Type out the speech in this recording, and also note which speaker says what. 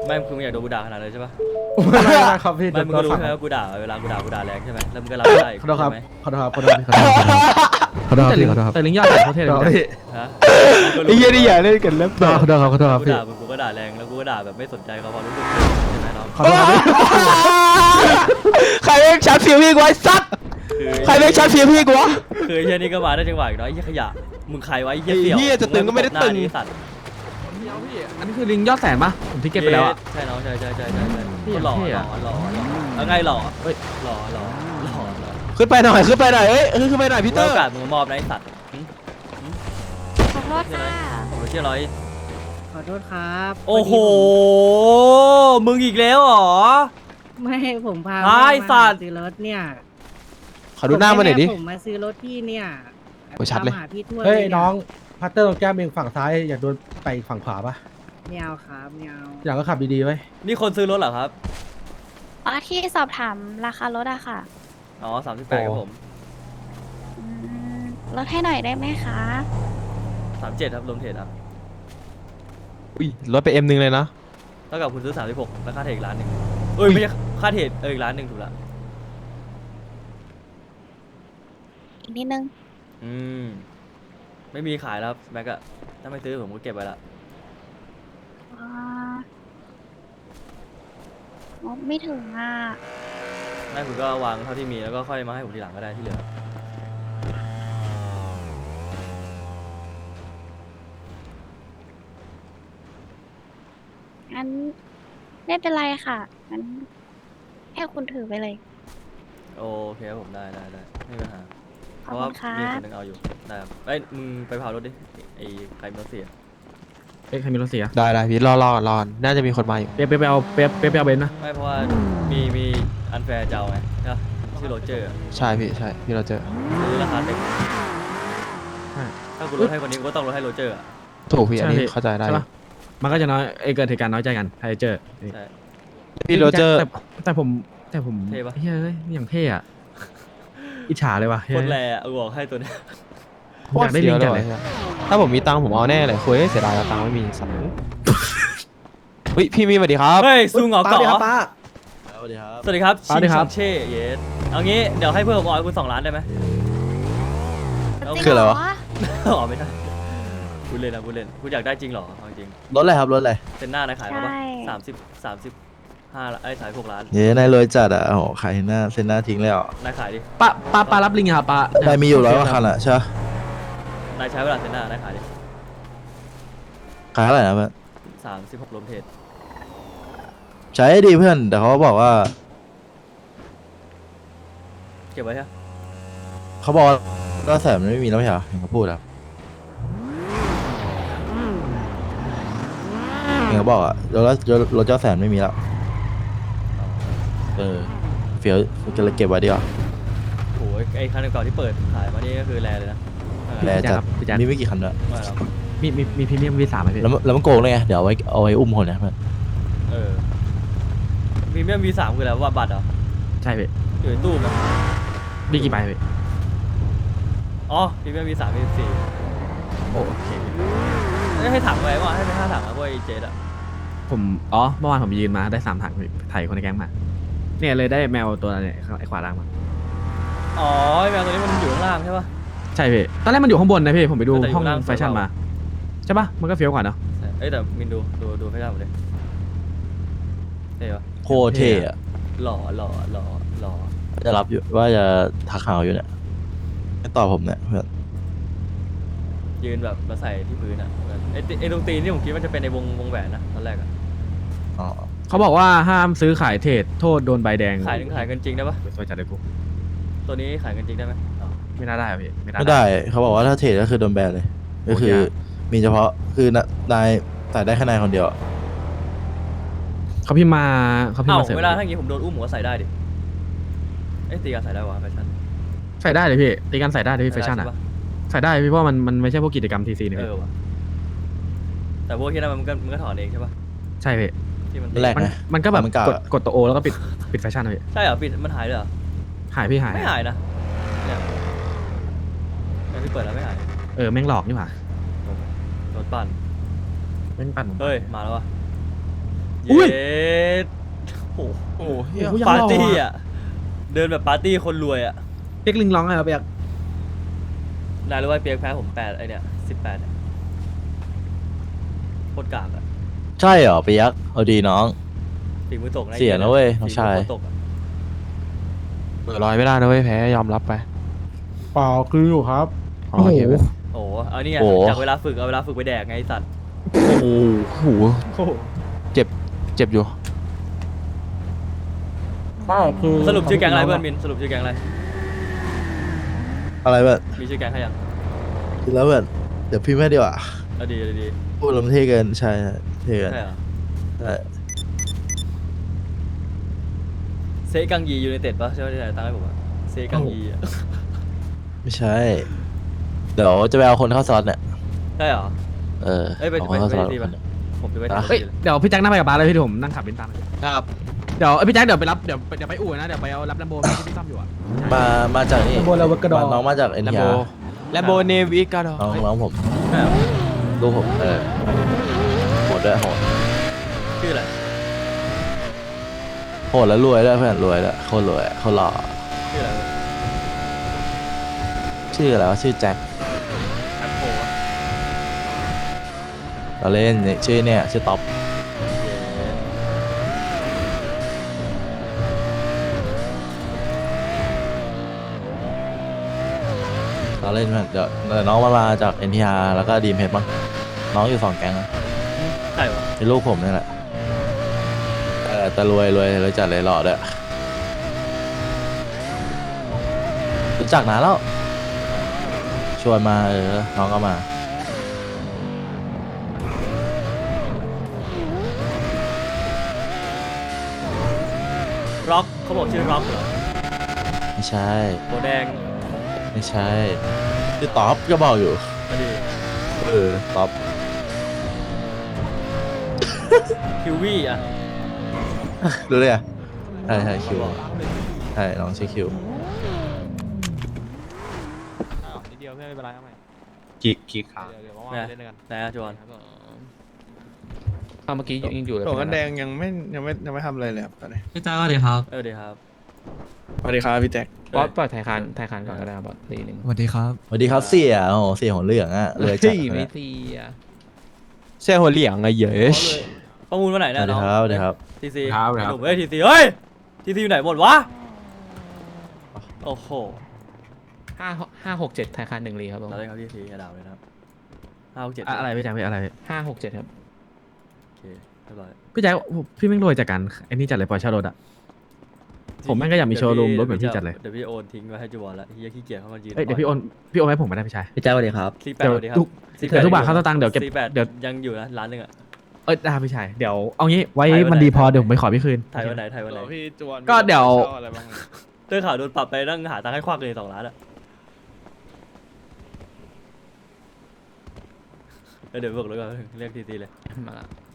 Speaker 1: ไม่คือมึงอยากโดนกูด่าขนาดเลยใช่ปะ
Speaker 2: ไม่ครับพี่
Speaker 1: ไม่มึงก็รู้ใช่ไหมว่ากูด่าเวลากูด่าแรงใช่ไหมแล้วมึงก็รับไม่ได้
Speaker 2: ขอโทษครับ
Speaker 1: ใช่ไหม
Speaker 2: ขอโทษครับขอโทษครับขอโทษครับ
Speaker 3: แต่ลิงยอดแต่เขาเท่เลย
Speaker 1: ฮะ
Speaker 4: ไอ้เหี้ยนี่อย่าเล่นกันเล็บ
Speaker 2: ขอโทษครับขอโทษครับ
Speaker 1: กู
Speaker 2: พี่
Speaker 1: ด่ามึงกูก็ด่าแรงแล้วกูก็ด่าแบบไม่สนใจเขาความรู้สึกใช่ไหมน้อง
Speaker 2: ขอโทษครับพี่
Speaker 4: ใครเล่นชัดฟิวพี่กูไอ้สัตว์
Speaker 1: คือ
Speaker 4: ใครเล่นชัดฟิวพี่กูวะ
Speaker 1: คือไอ้เฮียนี่ก็มาได้จังหวะอีกเนาะไอ้เฮียขยะมึงใครวะไอ้เฮียเสี่ยว
Speaker 4: ไอ้เหี้ยจะตึงก็ไม่ได้ตึง
Speaker 1: หน้านี้สัตว์
Speaker 3: อันนี้คือลิงยอดแสนปะผมที่เก็ตไปแล้วอะ
Speaker 1: ใช่น้องใช่
Speaker 3: พี่
Speaker 1: หล่อ
Speaker 3: เท่
Speaker 1: หล่
Speaker 3: อะ
Speaker 1: อหล่อแล้วไงหล่อ
Speaker 3: เฮ้ย
Speaker 1: หล่อ
Speaker 4: ขึ้นไปหน่อยขึ้นไปหน่อยเอ้ยขึ้นไปหน่อยพี่เตอ
Speaker 1: โอ
Speaker 4: ร์
Speaker 1: กาสมึงมอบนะไอ้สัตว์
Speaker 5: ขอโทษค่ะ
Speaker 1: โอ้ยเชี่ยร้อย
Speaker 6: ขอโทษครับ
Speaker 1: โอ้โหมึงอีกแล้วเหรอ
Speaker 6: ไม่ผมพา
Speaker 1: ไอ้
Speaker 6: แม่มา
Speaker 1: สัตว์
Speaker 6: ซื้อรถเนี่ย
Speaker 4: ขอดูหน้ามาหน่อยดิ
Speaker 6: ผมมาซื้อรถพี่เนี่ย
Speaker 4: โอ้ยชัดเลย
Speaker 6: ตามหาพี่ทั่ว
Speaker 2: เฮ้ย
Speaker 6: นี่
Speaker 2: น้องพัตเตอร์ตรงแก้มเองฝั่งซ้ายอยากโดนไปอีกฝั่งขวาปะ
Speaker 6: ไม่เอาครับไม่เอา
Speaker 2: อยากก็ขับดีๆไว้
Speaker 1: นี่คนซื้อรถเหรอครับ
Speaker 5: อ๋อที่สอบถามราคารถอะค่ะ
Speaker 1: อ๋อ38ครับผม
Speaker 5: อืมลดให้หน่อยได้ไหมคะ
Speaker 1: 37ครับรวมเทรดครับ
Speaker 4: อุ้ยรถไปM1เลยนะ
Speaker 1: เท่ากับคุณซื้อ36แล้วค่าเทรดอีกล้านหนึ่งเอ้ยไม่ใช่ค่าเทรดอีกล้านหนึ่งถูกละ
Speaker 5: อีกนิดนึง
Speaker 1: อืมไม่มีขายแล้วครับแม็กอะถ้าไม่ซื้อผมก็เก็บไว้ละ
Speaker 5: อ๋อไม่ถึงอ่ะ
Speaker 1: ไม่คุณก็วางเท่าที่มีแล้วก็ค่อยมาให้ผมทีหลังก็ได้ที่เหลือ
Speaker 5: งั้นไม่เป็นไรค่ะ งั้นให้คุณถือไปเลย
Speaker 1: โอเคครับผมได้ไม่มีปัญหา
Speaker 5: ข
Speaker 1: เพ
Speaker 5: อบ
Speaker 1: ราะว่า
Speaker 5: คุณค่ะ
Speaker 1: มีคนหนึงเอาอยู่ได้ครับเอ้ยมึงไปเผารถดิไอ้ใครมีรถเสีย
Speaker 3: เอ๊ะใครมีรถเสีย
Speaker 4: ได้พี่รอก่อนน่าจะมีคนมาอยู่
Speaker 3: เป๊ะไปเอาเป๊ะไปเอาเบนซ์นะ
Speaker 1: ไม่เพราะว่ามีอันแฟร์เจ้าไงใช่ปะชื่อโรเจอร์อะ
Speaker 4: ใช่พี่เราเจอ
Speaker 1: ซื้อราคาเต็ม
Speaker 3: ใช่
Speaker 1: ถ้ากูลดให้คนนี้กูก็ต้องลดให้โรเจอร์อะ
Speaker 4: ถูกพี่อันนี้
Speaker 3: ใช่
Speaker 4: เข้าใจได้
Speaker 3: ใช่ปะมันก็จะน้อยเกิดเหตุการณ์น้อยใจกันไทเจอร์
Speaker 1: ใช่
Speaker 4: พี่โรเจอร์
Speaker 3: แต่ผม
Speaker 1: เท่ปะ
Speaker 3: เฮ้ยอย่างเท่อะอิจฉาเลยว่ะ
Speaker 1: โคตรแรงอะกูบอกให้ตัวเนี้ย
Speaker 3: ผมอยากได้ลิงจัดเลย
Speaker 4: ถ้าผมมีตังค์ผมเอาแน่เลยคุยเสียดายตังค์ไม่มีสัตว์เฮ้ยพี่มีสวัสดีครับ
Speaker 1: เฮ้ยซูงเหงาเกาะ
Speaker 4: สวัสดีครับ
Speaker 1: สวัสดีครับ
Speaker 3: สวัสดีครับ
Speaker 1: ชิงเช่เยสเอางี้เดี๋ยวให้เพิ่มผมออยคุณ2 ล้านได้ไหม
Speaker 5: จริง
Speaker 4: คืออะไรวะ
Speaker 5: เห
Speaker 1: อ๋อไม่ได้พูดเล่นคุณอยากได้จริงเหรอเอาจริง
Speaker 4: รถอะไรครับรถอะไร
Speaker 1: เซนหน้านายขายมาปะ
Speaker 5: ใช่
Speaker 1: 35ไอ้ยขาย6 ล้าน
Speaker 4: เย้นายรวยจัดอ่ะโอ้โหขายหน้าเซ็นหน้าทิ้งเลยอ่ะ
Speaker 1: นายขายดิ
Speaker 3: ปลารับลิงอะครับปลา
Speaker 4: ได้มีอยู่100 กว่าคันอ่ะใช่ปะ
Speaker 1: นายใช้เวลาเซนหน้านายขายดิ
Speaker 4: ขายเท่าไหร่นะเพื่อน
Speaker 1: 36รวมเทรด
Speaker 4: ใช้ดีเพื่อนแต่เขาบอกว่า
Speaker 1: เก็บไว้ใช่ปะ
Speaker 4: เขาบอกก็แสนมันไม่มีแล้วไม่ใช่เหรอเห็นเขาพูดอ่ะเห็นเขาบอกอ่ะรถเจ้าแสนไม่มีแล้วเฟี้ยวจะเลยเก็บไว้ดีกว่า
Speaker 1: โอ้ยไอ้คันเก่าที่เปิดขายมานี่ก็คือแรเลยนะ
Speaker 4: แลจัด
Speaker 3: พี่แจ๊ค
Speaker 4: มีไม่กี่คันด้วย
Speaker 1: ไม่หรอก
Speaker 3: มีพรีเมียม V3 ไหมพี่
Speaker 4: แล้วมันโกงเลยไงเดี๋ยวเอาไว้อุ้มคนนะเพื่อน
Speaker 1: พรีเมียม V3 คืออะไรว่าบัตรเหรอ
Speaker 3: ใช่พี่
Speaker 1: อยู่ในตู้มั้ย
Speaker 3: มีกี่ใบพี่
Speaker 1: อ๋อพรีเมียม V3 V4
Speaker 3: โอเคพี่
Speaker 1: ให้ถังไว้ว่าให้ไป5 ถังอะพวกไอ้เจดอะ
Speaker 3: ผมเมื่อวานผมยืนมาได้3 ถังพี่ถ่ายคนในแก๊งมาเนี่ยเลยได้แมวตัวเนี่ยไอ้ขวาล่างมา
Speaker 1: อ๋อไอ้แมวตัวนี้มันอยู่ข้างล่างใช่ปะ
Speaker 3: ใช่พี่ตอนแรกมันอยู่ข้างบนนะพี่ผมไปดู
Speaker 1: แต่อยู่
Speaker 3: ห้อง
Speaker 1: ล่าง
Speaker 3: แฟชั่น
Speaker 1: สุด
Speaker 3: มาใช่ปะมันก็เฟี้ยวกว่าเนาะ
Speaker 1: ใช่เอ้ยแต่มินดูให้ได้หมดเลยเท่ปะ
Speaker 4: โคตรเท่อะ
Speaker 1: หล่อ
Speaker 4: จะรับอยู่ว่าจะทักหาอยู่เนี่ยไม่ตอบผมเนี่ยเพื่อน
Speaker 1: ยืนแบบมาใส่ที่พื้นอะไอ้ตรงตีนที่ผมคิดว่าจะเป็นในวงแหวนนะตอนแรกอะ
Speaker 4: อ๋อ
Speaker 3: เขาบอกว่าห้ามซื้อขายเทรดโทษโดนใบแดง
Speaker 1: ขายกันจริงได้ปะ
Speaker 3: สวยจัดเลยกู
Speaker 1: ตัวนี้ขายกันจริงได้ไหมอ๋อ
Speaker 3: ไม่น่าได้อะพี่ไม่
Speaker 4: ไม่ได้เขาบอกว่าถ้าเทรดก็คือโดนแบนเลย ก็คือมีเฉพาะคือนายใส่ได้แค่นายคนเดียว
Speaker 3: เขาพิมพ์มา
Speaker 1: เอ้า
Speaker 3: เสริม
Speaker 1: เวลาถ้าอย่างงี้ผมโดนอุ้มผมก็ใส่ได้ดิเอ้ยตีกันใส่ได้วะแฟชั่น
Speaker 3: ใส่ได้เลยพี่ตีกันใส่ได้เลยพี่แฟชั่น
Speaker 1: ใช่
Speaker 3: อ่ะ
Speaker 1: ปะ
Speaker 3: ใส่ได้พี่เพราะว่ามันไม่ใช่พวกกิจกรรมทีซีนี่
Speaker 1: เอ
Speaker 3: พี่
Speaker 1: อวะแต่พวกที่นั่นมันก็ถอนเองใช่ปะ
Speaker 3: ใช่พี่
Speaker 1: ที่มัน
Speaker 4: แรก
Speaker 3: มันก็แบบ
Speaker 4: มันกะ
Speaker 3: กดตัวโอแล้วก็ปิดแฟชั่นเลยพี่
Speaker 1: ใช่เหรอปิดมันหายเลยเหรอ
Speaker 3: หายพี่หาย
Speaker 1: ไม่หายนะเนี่ยพี่เปิดแล้วไม่หาย
Speaker 3: แม่งหลอกนี่หว่า
Speaker 1: โดนปั่น
Speaker 3: แม่งปั่นผม
Speaker 1: เฮ้ยมาแล้ววะ
Speaker 3: อุ้ย
Speaker 1: เย็ดโอ้โห
Speaker 4: โอ้โหเหี้ย
Speaker 3: โอ้โห
Speaker 1: ปาร์ตี้อ่ะเดินแบบปาร์ตี้คนรวยอ่ะ
Speaker 3: เปียกลิงร้องไงครับเปียก
Speaker 1: นายรู้ว่าเปียกแพ้ผม8ไอเนี่ย18เนี่ยโคตรกากอ่ะ
Speaker 4: ใช่เหรอไปยักษ์เอาดีน้อง
Speaker 1: ฝีมือตกนะ
Speaker 4: เสียนะเว้ยน้องชาย
Speaker 1: ฝีมือโคตรตกอะ
Speaker 7: เปิดรอยไม่ได้นะเว้ยแพ้ยอมรับไป
Speaker 2: เปล่าคืออยู่ครับ
Speaker 7: อ๋อโอเคเว้ย
Speaker 1: โอ้โหเอานี่ไง
Speaker 4: โอ้โห
Speaker 1: จากเวลาฝึกเอาเวลาฝึกไปแดกไงไอ้สัตว์
Speaker 7: โอ้โหเจ็บอยู่
Speaker 2: ไม่คือ
Speaker 1: สรุปชื่อแก๊งอะไรเพื่อนมินสรุปชื่อแก๊งอะไร
Speaker 4: อะไรแบบ
Speaker 1: มีชื่อแก๊งใครยัง
Speaker 4: คิดแล้วแบบเดี๋ยวพี่ไม่ดีกว่า
Speaker 1: เอาดีเอาดี
Speaker 4: พูดลมเท่เกินใช่เท่เกิน
Speaker 1: ใช่เหรอ
Speaker 4: ใช่
Speaker 1: เซกังยียูไนเต็ดปะใช่ไหมที่ไหนตั้งให้ผมอะเซกังยีอะ
Speaker 4: ไม่ใช่ เดี๋ยวจะไปเอาคนเข้าซอสเนี่ย
Speaker 1: ได้เหรอ
Speaker 4: เออ
Speaker 1: เอ้ยไป
Speaker 4: เอาคนเข้าซอส
Speaker 1: ไปดี
Speaker 4: ค
Speaker 1: ป่ะ
Speaker 4: นหนึ่ง
Speaker 1: ผมจะไป
Speaker 4: อ่ะ
Speaker 1: ทำ
Speaker 3: เฮ้ย
Speaker 1: ดีเลย
Speaker 3: เดี๋ยวพี่แจ็คนั่งไปกับบาสเลยพี่ผมนั่งขับบินตาม
Speaker 7: ครับ
Speaker 3: เดี๋ยวพี่แจ็คเดี๋ยวไปรับเดี๋ยวไปอู่นะเดี๋ยวไปเอารับแลมโบที่พี่ซ่อมอยู่อ่ะ
Speaker 4: มาจากนี่
Speaker 2: โบราณกระดอ
Speaker 4: น้องมาจากเอ็น
Speaker 7: แลม
Speaker 4: ที
Speaker 7: โบ
Speaker 4: อาร์
Speaker 7: แลมโบเนวิกาดอ
Speaker 4: น้องผม
Speaker 1: ใช่เหรอ
Speaker 4: ลูกผมโหดด้วยโหด
Speaker 1: ชื่ออะไร
Speaker 4: โหดแล้วรวยด้วยเพื่อนรวยด้วยโคตรรวยโคตรหล่อ
Speaker 1: ชื่ออะไร
Speaker 4: ชื่ออะไรวะชื่อแจ็ค
Speaker 1: แอปโฟอะ
Speaker 4: เราเล่นเนี่ยชื่อเนี่ยชื่อท็อป
Speaker 1: เย้
Speaker 4: เราเล่นเพื่อนเดี๋ยวน้องมาจากเอ็นทีอาร์แล้วก็ดีมเฮดมั้งน้องอยู่2 แก๊งอะ
Speaker 1: ใช่เหรอ
Speaker 4: เป็นลูกผมนี่แหละแต่รวยจัดเลยหล่อด้วยรู้จักนานแล้ว ชวนมาน้องก็มา
Speaker 1: ร็อกเขาบอกชื่อร็อกเหรอ
Speaker 4: ไม่ใช่
Speaker 1: โบแดง
Speaker 4: ไม่ใช่ชื่อท็อปก็บอกอยู่
Speaker 1: มาดี
Speaker 4: ท็อป
Speaker 1: คิววี่อะ
Speaker 4: รู้เลยอ่ะใช่คิวใช่น้องชื่อคิว
Speaker 7: นิดเดียวเพื่อนไม่เป็นไรเอาใหม่
Speaker 8: กี่ขา
Speaker 7: เดี๋ยวว่างๆเล่นด้วยกัน
Speaker 1: ไหนอะจวน
Speaker 8: เมื่อกี้ยังอยู่เลย
Speaker 9: โหลกันแดงยังไม่ทำอะไรเลยครับตอนนี้
Speaker 8: พี่จ้าสวัสดีครับ
Speaker 1: เดีครับ
Speaker 9: สวัสดีครับพี่แจ็ค
Speaker 8: บอสปล่อยไทยคานก่อนก็ได้ครับบอสทีนึง
Speaker 7: สวัสดีครับ
Speaker 4: สวัสดีครับเสียโอ้โหเสียหัวเหลืองอ่ะรวยจัด
Speaker 8: ไม่
Speaker 4: เลย
Speaker 8: ตีอ่ะ
Speaker 7: เสื้อหัวเหลี่ยงไงเยอะ
Speaker 1: ประมูลวันไหน
Speaker 4: ส
Speaker 1: เนี่ย
Speaker 4: วัสดี
Speaker 1: น้อง
Speaker 4: ครับสวัสดีครับ
Speaker 1: ทีซี
Speaker 7: ครับ
Speaker 1: หนุ่มเอ้ยทีซีเฮ้ยทีซีอยู่ไหนหมดวะโอ้โห
Speaker 8: 567ไทยคาน1ลีครับผม
Speaker 1: เราได้ครับทีซีอย่าด่าเลยนะครับ567
Speaker 3: อะไรพี่แจ็คพี่อะไร
Speaker 8: 567ครับ
Speaker 1: โอเคเรียบร้อย
Speaker 3: พี่แจ็คพี่แม่งรวยจากการไอ้นี่จัดเลยปล่อยเช่ารถอ่ะ ผมแม่งก็อยากมีโชว์รูมรถเหมือนพี่จัดเลย
Speaker 1: เดี๋ยวพี่โอนทิ้งไว้ให้จวนละเฮียขี้เกียจเข้ามายืน
Speaker 3: เอ้ยเดี๋ยวพี่โอนให้ผมไม่ได้พี่ชาย
Speaker 2: พี่แจ๊คสวัสดีครับ
Speaker 1: 48
Speaker 3: เดี๋ยว
Speaker 1: สวัสดีครับ
Speaker 3: ทุก เดี๋ยวทุกบาทเข้าสตางค์เดี๋ยวเก็บ
Speaker 1: 48
Speaker 3: เดี๋ยว
Speaker 1: ยังอยู่นะร้านหนึงอะ
Speaker 3: ได้พี่ชายเดี๋ยวเอางี้ไว้
Speaker 1: ถ่ายไว้
Speaker 3: มันดีพอ
Speaker 1: ไหน
Speaker 3: เดี๋ยวผมไปขอพี่คืน
Speaker 1: ถ่ายวันไหนถ่ายวันไหน
Speaker 9: พี่จวน
Speaker 3: ก็เดี๋ยว
Speaker 9: มีช่าอะไรบ้างไหม
Speaker 1: เรื่องข่าวโดนปรับไปนั่งหาตังค์ให้ควักเลย2 ล้านอะเดี๋ยวบอกเลยก่อนเรียกทีซีเลย
Speaker 8: มาละ